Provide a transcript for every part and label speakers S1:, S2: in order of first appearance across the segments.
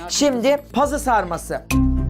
S1: Şimdi pazı sarması.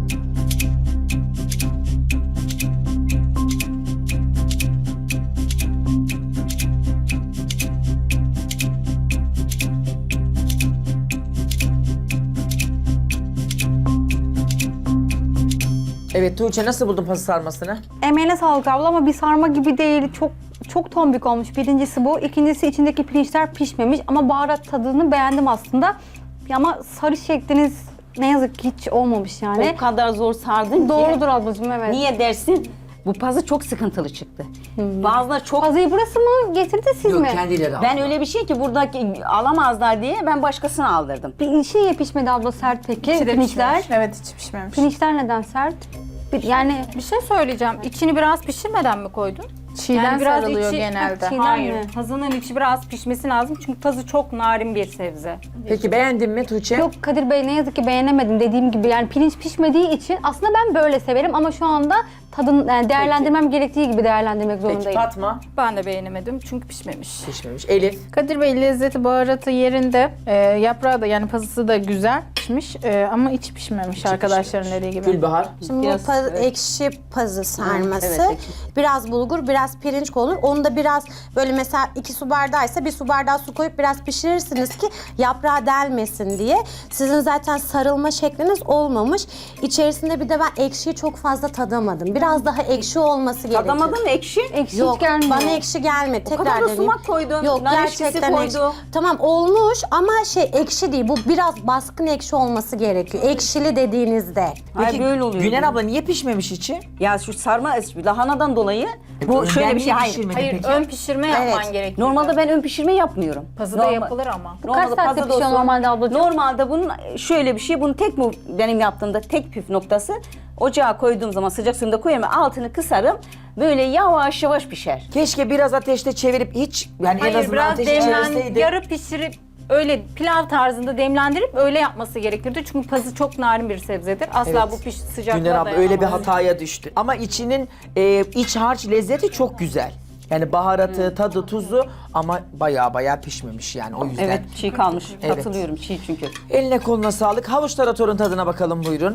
S1: Evet Tuğçe, nasıl buldun pazı sarmasını?
S2: Emeğine sağlık abla ama bir sarma gibi değil. Çok tombik olmuş. Birincisi bu. İkincisi içindeki pirinçler pişmemiş ama baharat tadını beğendim aslında. Ama sarı şekliniz ne yazık ki hiç olmamış yani.
S3: O kadar zor sardın ki.
S2: Doğrudur ablacığım, evet.
S3: Niye dersin? Bu pazı çok sıkıntılı çıktı. Bazıları çok...
S2: Pazıyı burası mı getirdi siz mi?
S1: Kendileri
S3: Ben öyle bir şey ki buradaki alamazlar diye ben başkasına aldırdım.
S2: Bir şey pişmedi abla sert peki.
S4: İçi de
S2: Pirinçler.
S4: pişmemiş. Evet, içi pişmemiş.
S2: Pirinçler neden sert? Yani
S5: Bir şey söyleyeceğim. İçini biraz pişirmeden mi koydun?
S4: Çiğden
S5: biraz
S4: sarılıyor
S5: içi-
S4: genelde.
S2: Çiğden
S5: Hayır.
S2: mi?
S5: Pazının içi biraz pişmesi lazım. Çünkü pazı çok narin bir sebze.
S1: Peki beğendin mi Tuğçe?
S2: Yok Kadir Bey, ne yazık ki beğenemedim dediğim gibi. Yani pirinç pişmediği için aslında ben böyle severim ama şu anda tadın yani değerlendirmem gerektiği gibi değerlendirmek
S1: Peki
S2: zorundayım.
S1: Fatma?
S5: Ben de beğenemedim çünkü pişmemiş.
S1: Pişmemiş. Elif?
S4: Kadir Bey lezzeti, baharatı yerinde. Yaprağı da yani pazısı da güzel pişmiş ama içi pişmemiş arkadaşların dediği gibi.
S1: Gülbahar?
S6: Şimdi
S3: Biraz,
S6: bu
S3: evet.
S6: ekşi pazı sarması.
S3: evet, ekşi.
S6: Biraz bulgur, biraz pirinç konur. Onu da biraz böyle mesela 2 su bardağıysa 1 su bardağı su koyup biraz pişirirsiniz ki yaprağı delmesin diye. Sizin zaten sarılma şekliniz olmamış. İçerisinde bir de ben ekşiyi çok fazla tadamadım. Biraz daha ekşi olması gerekiyor.
S3: Tadamadın mı ekşi?
S2: Ekşi
S6: Yok,
S2: hiç gelmiyor.
S6: bana ekşi gelmedi. Tekrar
S3: kadar da
S6: deneyeyim.
S3: sumak koydun,
S6: Yok,
S3: nar ekşisi
S6: gerçekten ekşi.
S3: koydu.
S6: Tamam olmuş ama ekşi değil. Bu biraz baskın ekşi olması gerekiyor. Ekşili dediğinizde.
S3: Hayır böyle oluyor.
S1: Güner abla niye pişmemiş içi?
S3: Ya şu sarma lahanadan dolayı bu şöyle bir şey. Hayır.
S5: Hayır, ön pişirme yapman
S6: Evet.
S5: gerekiyor.
S3: Normalde ben ön pişirme yapmıyorum.
S5: Pazıda yapılır ama.
S2: Bu kaç saatte
S3: pazıda
S2: pişiyor
S3: olsun.
S2: normalde ablacığım?
S3: Normalde bunun şöyle bir şey, bunun benim yaptığımda tek püf noktası, ocağa koyduğum zaman sıcak suyunda koyarım, altını kısarım, böyle yavaş yavaş pişer.
S1: Keşke biraz ateşte çevirip hiç yani en
S5: Hayır,
S1: azından
S5: biraz
S1: ateşte çevirseydi.
S5: yarı pişirip öyle pilav tarzında demlendirip öyle yapması gerekirdi. Çünkü pazı çok narin bir sebzedir. Asla
S1: Evet.
S5: bu sıcaklığa
S1: Güner abla öyle bir
S5: dayanamaz.
S1: hataya düştü. Ama içinin iç harç lezzeti çok güzel. Yani baharatı, tadı, tuzu ama baya pişmemiş yani o yüzden.
S3: Evet, çiğ kalmış.
S1: Evet.
S3: Katılıyorum, çiğ çünkü.
S1: Eline koluna sağlık. Havuç taratorun tadına bakalım buyurun.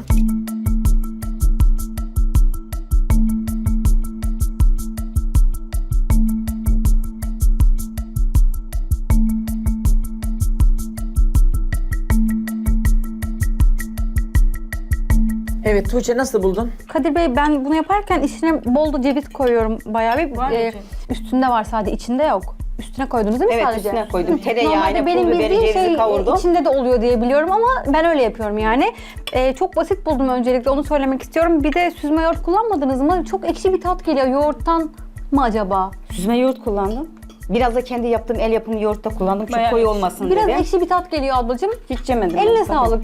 S1: Evet Tuğçe, nasıl buldun?
S2: Kadir Bey, ben bunu yaparken içine bol da ceviz koyuyorum bayağı bir.
S5: Var mı ceviz?
S2: Üstünde var sadece, içinde yok. Üstüne koydunuz değil mi
S3: Evet,
S2: sadece?
S3: üstüne koydum. Tereyağıyla,
S2: Normalde
S3: pul
S2: benim
S3: biberi,
S2: bildiğim
S3: cevizi kavurdum.
S2: içinde de oluyor diye biliyorum ama ben öyle yapıyorum yani. Çok basit buldum, öncelikle onu söylemek istiyorum. Bir de süzme yoğurt kullanmadınız mı? Çok ekşi bir tat geliyor yoğurttan mı acaba?
S3: Süzme yoğurt kullandım. Biraz da kendi yaptığım el yapımı yoğurt da kullandım. Çok
S5: Bayağı
S3: koyu
S5: ekşi.
S3: olmasın
S2: Biraz
S3: dedim.
S2: ekşi bir tat geliyor ablacığım.
S3: Hiç yemedim.
S2: Eline
S3: ben.
S2: sağlık.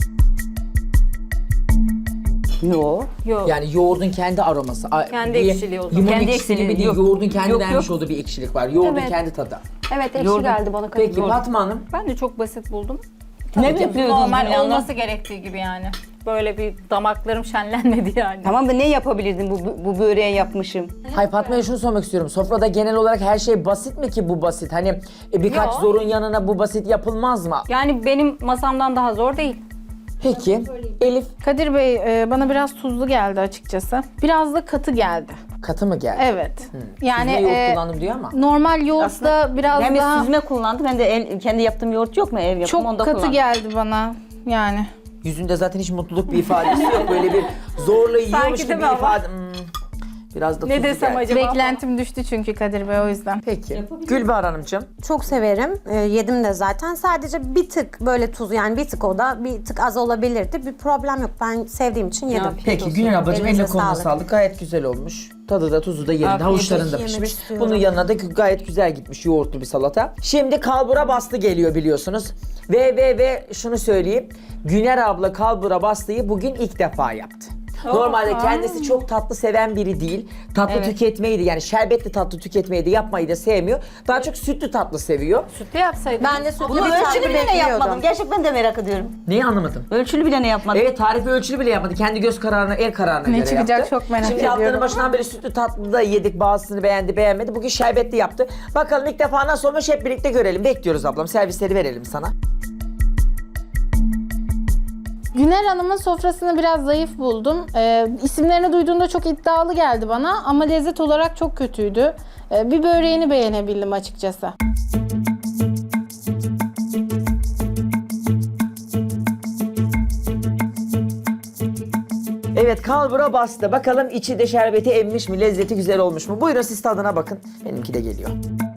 S3: Yo.
S5: Yok.
S1: Yani yoğurdun kendi aroması.
S5: Kendi
S1: Bir
S5: ekşiliği o zaman.
S1: Limon
S3: Kendi
S1: ekşisi
S3: ekşiliği
S1: gibi değil,
S3: yok.
S1: yoğurdun kendi
S3: Yok,
S1: vermiş
S3: yok.
S1: olduğu bir ekşilik var. Yoğurdun
S2: Evet.
S1: kendi tadı.
S2: Evet, ekşi
S3: Yoğurdum.
S2: geldi bana Kadir
S1: Peki
S2: Bey.
S1: Fatma Hanım?
S5: Ben de çok basit buldum.
S3: Ne
S5: Tabii ki
S3: bekliyordun
S5: normal
S3: yani?
S5: olması gerektiği gibi yani. Böyle bir damaklarım şenlenmedi yani.
S3: Tamam da ne yapabilirdim bu böreği yapmışım?
S1: Hayır Fatma'ya şunu sormak istiyorum. Sofrada genel olarak her şey basit mi ki bu basit? Hani birkaç
S5: Yok.
S1: zorun yanına bu basit yapılmaz mı?
S5: Yani benim masamdan daha zor değil.
S1: Peki Elif
S4: Kadir Bey bana biraz tuzlu geldi açıkçası. Biraz da katı geldi.
S1: katı mı geldi?
S4: Evet. Yani
S1: Süzme yoğurt kullandım diyor ama.
S4: normal yoğurt da biraz
S3: Ben bir
S4: daha
S3: süzme kullandım. Ben de kendi yaptığım yoğurt yok mu? Ev yapımı,
S4: çok
S3: onda
S4: katı
S3: kullandım.
S4: geldi bana. Yani
S1: Yüzünde zaten hiç mutluluk bir ifadesi yok. Böyle bir zorla yiyormuş
S5: Sanki
S1: gibi
S5: değil
S1: bir
S5: mi ama?
S1: ifade. Biraz da
S5: Ne
S1: tuzlu
S5: desem
S1: geldi.
S5: acaba?
S4: beklentim düştü çünkü Kadir Bey, o yüzden.
S1: Peki. Gülbahar Hanımcığım.
S6: Çok severim. Yedim de zaten. Sadece bir tık böyle tuz, yani bir tık, o da bir tık az olabilirdi. Bir problem yok. Ben sevdiğim için yedim.
S1: Peki Güner ablacığım,
S6: Elinize
S1: eline koluna
S6: sağlık.
S1: sağlık. Gayet güzel olmuş. Tadı da tuzu da yerinde.
S3: Afiyet
S1: Havuçların da
S6: olsun. Yemek
S1: pişmiş.
S6: istiyorum.
S1: Bunun yanına da gayet güzel gitmiş yoğurtlu bir salata. Şimdi kalbura bastı geliyor biliyorsunuz. Ve şunu söyleyeyim. Güner abla kalbura bastıyı bugün ilk defa yaptı. Normalde kendisi çok tatlı seven biri değil. Tatlı tüketmeyi de, yani şerbetli tatlı tüketmeyi de yapmayı da sevmiyor. Daha çok sütlü tatlı seviyor.
S5: Sütlü yapsaydım.
S6: Ben de sütlü
S3: Bunu
S6: bir tatlı
S3: ölçülü bile ne
S6: bekliyordum.
S3: yapmadım? Gerçekten ben de merak ediyorum.
S1: Neyi anlamadım?
S3: Ölçülü bile ne yapmadım?
S1: Evet, tarifi ölçülü bile yapmadı. Kendi göz kararına, el kararına
S4: Ne
S1: göre
S4: çıkacak
S1: yaptı.
S4: çok merak
S1: Şimdi
S4: ediyorum.
S1: haftanın başından beri sütlü tatlı da yedik. Bazısını beğendi, beğenmedi. Bugün şerbetli yaptı. Bakalım ilk defa nasıl olmuş, hep birlikte görelim. Bekliyoruz ablam. Servisleri verelim sana.
S4: Güner Hanım'ın sofrasını biraz zayıf buldum. İsimlerini duyduğumda çok iddialı geldi bana ama lezzet olarak çok kötüydü. Bir böreğini beğenebildim açıkçası.
S1: Evet, kalbura bastı. Bakalım içi de şerbeti emmiş mi? Lezzeti güzel olmuş mu? Buyurun siz tadına bakın. Benimki de geliyor.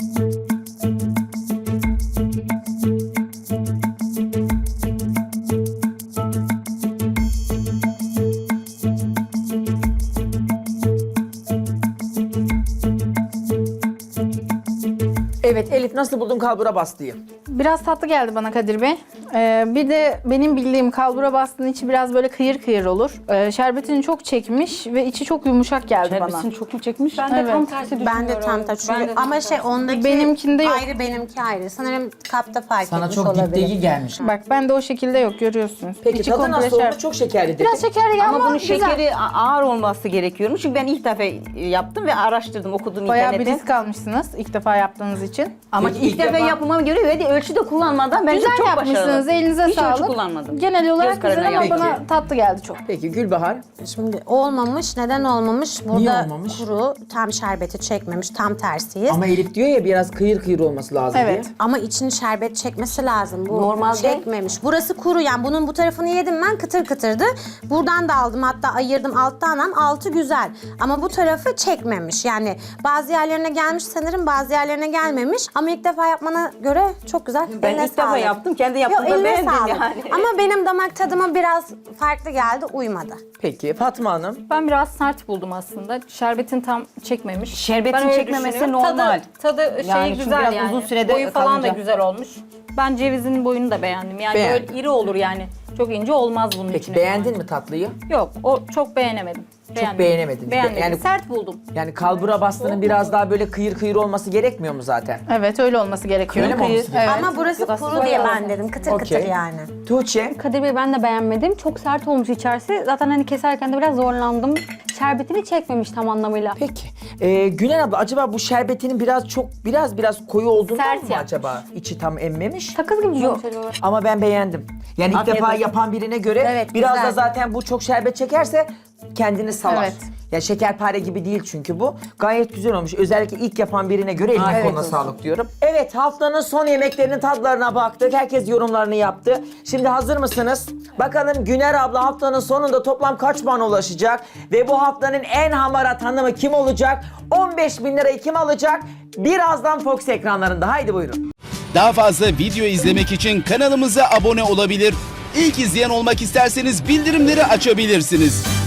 S1: Evet Elif, nasıl buldun kalbura bastıyı?
S4: Biraz tatlı geldi bana Kadir Bey. Bir de benim bildiğim kalbura bastığın içi biraz böyle kıyır kıyır olur. Şerbetini çok çekmiş ve içi çok yumuşak geldi bana.
S3: Şerbetini çok mu çekmiş?
S5: Ben de
S4: Evet.
S5: tam tersi düşünüyorum.
S6: Ben de tam tersi.
S5: Ben de tam
S6: Ama
S5: tersi.
S6: şey ondaki
S4: Benimkinde yok.
S6: ayrı, benimki ayrı. Sanırım kapta fark
S1: Sana
S6: etmiş
S1: çok
S6: olabilir.
S1: dipteyi gelmiş.
S4: Bak ben de o şekilde yok, görüyorsunuz.
S1: Peki
S4: İçi
S1: tadı
S4: komple
S1: nasıl olmuş?
S4: şerbet.
S1: Çok şekerli dedi.
S4: Biraz şekerli
S3: Ama bunun
S4: güzel.
S3: şekeri ağır olması gerekiyormuş. Çünkü ben ilk defa yaptım ve araştırdım, okudum
S4: Bayağı bir
S3: internette.
S4: risk almışsınız ilk defa yaptığınız için.
S3: Ama
S1: Peki
S3: ilk defa yapmama göre ve de ölçüde kullanmadan bence
S4: Güzel
S3: çok
S4: yapmışsınız,
S3: başarılı.
S4: elinize
S3: Hiç
S4: sağlık.
S3: ölçü kullanmadım.
S4: Genel olarak
S3: Göz kararına
S4: güzel ama
S1: yaptım.
S4: bana tatlı geldi çok.
S1: Peki Gülbahar?
S6: Şimdi olmamış. Neden olmamış? Burada
S1: Niye olmamış?
S6: kuru, tam şerbeti çekmemiş, tam tersiyiz.
S1: Ama Elif diyor ya biraz kıyır kıyır olması lazım
S4: Evet.
S1: diye.
S6: Ama için şerbet çekmesi lazım. Bu
S3: Normalde-
S6: çekmemiş. Burası kuru, yani bunun bu tarafını yedim ben, kıtır kıtırdı. Buradan da aldım, hatta ayırdım alttan, altı güzel. Ama bu tarafı çekmemiş. Yani bazı yerlerine gelmiş sanırım, bazı yerlerine gelmemiş. Ama ilk defa yapmana göre çok güzel.
S3: Ben
S6: Eline
S3: ilk defa
S6: sağlık.
S3: yaptım, kendi
S6: Yok,
S3: yaptığımda
S6: eline
S3: beğendim
S6: sağlık.
S3: yani.
S6: Ama benim damak tadıma biraz farklı geldi, uymadı.
S1: Peki Fatma Hanım?
S5: Ben biraz sert buldum aslında. Şerbetin tam çekmemiş.
S3: Şerbetin
S5: Ben öyle
S3: çekmemesi
S5: düşünüyorum.
S3: normal.
S5: Tadı
S3: Yani çünkü
S5: güzel
S3: biraz
S5: yani.
S3: uzun sürede
S5: Boyu falan da
S3: kalınca.
S5: güzel olmuş. Ben cevizin boyunu da beğendim. Yani
S1: Beğendin.
S5: böyle iri olur yani. Çok ince olmaz bunun
S1: Peki
S5: içine.
S1: beğendin mi tatlıyı?
S5: Yok, o çok beğenemedim.
S1: beğenemedin.
S5: Beğenmedim.
S1: Yani-
S5: Sert buldum.
S1: Yani kalbura bastığının biraz daha böyle kıyır kıyır olması gerekmiyor mu zaten?
S4: Evet öyle olması gerekiyor.
S1: Öyle mi olması gerekiyor?
S4: Evet.
S6: Ama burası kuru diye ben dedim, kıtır
S1: Okey.
S6: kıtır yani.
S1: Tuğçe?
S2: Kadir Bey ben de beğenmedim. Çok sert olmuş içerisi. Zaten hani keserken de biraz zorlandım. Şerbetini çekmemiş tam anlamıyla.
S1: Peki. Gülen abla acaba bu şerbetinin biraz koyu olduğundan
S5: Sert
S1: mı
S5: yapmış.
S1: acaba? İçi tam emmemiş.
S2: Sakız gibi
S3: Yok.
S2: acaba.
S1: Ama ben beğendim. Yani ilk
S3: Afiyet
S1: defa
S3: olsun.
S1: yapan birine göre
S6: Evet,
S1: biraz
S6: güzel.
S1: da zaten bu çok şerbet çekerse kendini salar.
S4: Evet.
S1: Ya şekerpare gibi değil çünkü bu. Gayet güzel olmuş. Özellikle ilk yapan birine göre eline
S3: Afiyet
S1: koluna
S3: olsun.
S1: sağlık diyorum. Evet, haftanın son yemeklerinin tadlarına baktık. Herkes yorumlarını yaptı. Şimdi hazır mısınız? Bakalım Güner abla haftanın sonunda toplam kaç puan ulaşacak? Ve bu haftanın en hamarat hanımı kim olacak? 15.000 lirayı kim alacak? Birazdan Fox ekranlarında. Haydi buyurun.
S7: Daha fazla video izlemek için kanalımıza abone olabilir. İlk izleyen olmak isterseniz bildirimleri açabilirsiniz.